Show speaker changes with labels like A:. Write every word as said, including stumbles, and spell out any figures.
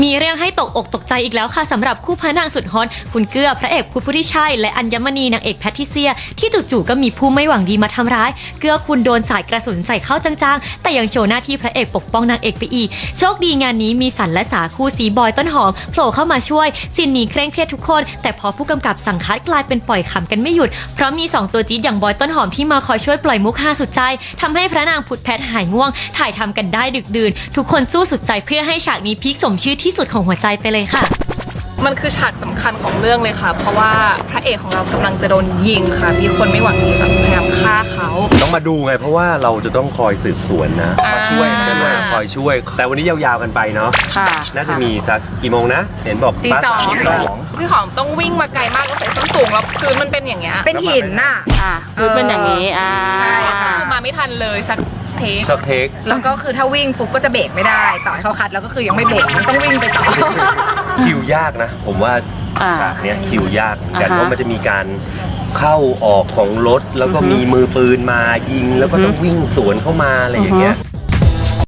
A: มีเรื่องให้ตกอกตกใจอีกแล้วค่ะสำหรับคู่พระนางสุดฮอตคุณเกื้อพระเอกพุทธพุทธิชัยและอัญมณีนางเอกแพทริเซียที่จู่ๆก็มีผู้ไม่หวังดีมาทำร้ายเกื้อคุณโดนสายกระสุนใส่เข้าจังๆแต่ยังโชว์หน้าที่พระเอกปกป้องนางเอกไปอีกโชคดีงานนี้มีสันและสาคู่สีบอยต้นหอมโผล่เข้ามาช่วยซีนนี้เคร่งเครียดทุกคนแต่พอผู้กำกับสั่งคัดกลายเป็นปล่อยขำกันไม่หยุดเพราะมีสองตัวจี๊ดอย่างบอยต้นหอมที่มาคอยช่วยปล่อยมุกฮาสุดใจทำให้พระนางพุทธแพทหายง่วงถ่ายทำกันได้ดึกดื่นทุกคนสู้สุดใจเพื่อให้ฉากนี้พีคสมชื่อที่สุดของหัวใจไปเลยค่ะ
B: มันคือฉากสำคัญของเรื่องเลยค่ะเพราะว่าพระเอกของเรากำลังจะโดนยิงค่ะมีคนไม่หวังดีแบบพยายามฆ่าเขา
C: ต้องมาดูไงเพราะว่าเราจะต้องคอยสืบสวนนะมาช่วยมาช่วยคอยช่วยแต่วันนี้ยาวๆกันไปเนาะ
B: ค่ะ
C: น่าจะมีสักกี่โมงนะเห็นบอก
B: ตีสอง
C: สอง
B: พี่หอมต้องวิ่งมาไกลมากแล้วใส่ส้นสูงแล้วพื้นมันเป็นอย่างเงี้ย
D: เป็นหินน่ะ
E: อ่ะคือเป็นอย่างนี้อ่า
B: ใช่ค่ะคือมาไม่ทันเลยสักเทค
C: สักเทค
D: แล้วก็คือถ้าวิ่งปุ๊บก็จะเบรกไม่ได้ต่อให้เขาคัดแล้วก็คือยังไม่เบรกมันต้องวิ่งไปต่อ
C: คิวยากนะผมว่าฉากเนี้ยคิวยากกันเพราะมันจะมีการเข้าออกของรถแล้วก็มีมือปืนมายิงแล้วก็ต้องวิ่งสวนเข้ามาอะไรอย่างเงี้ย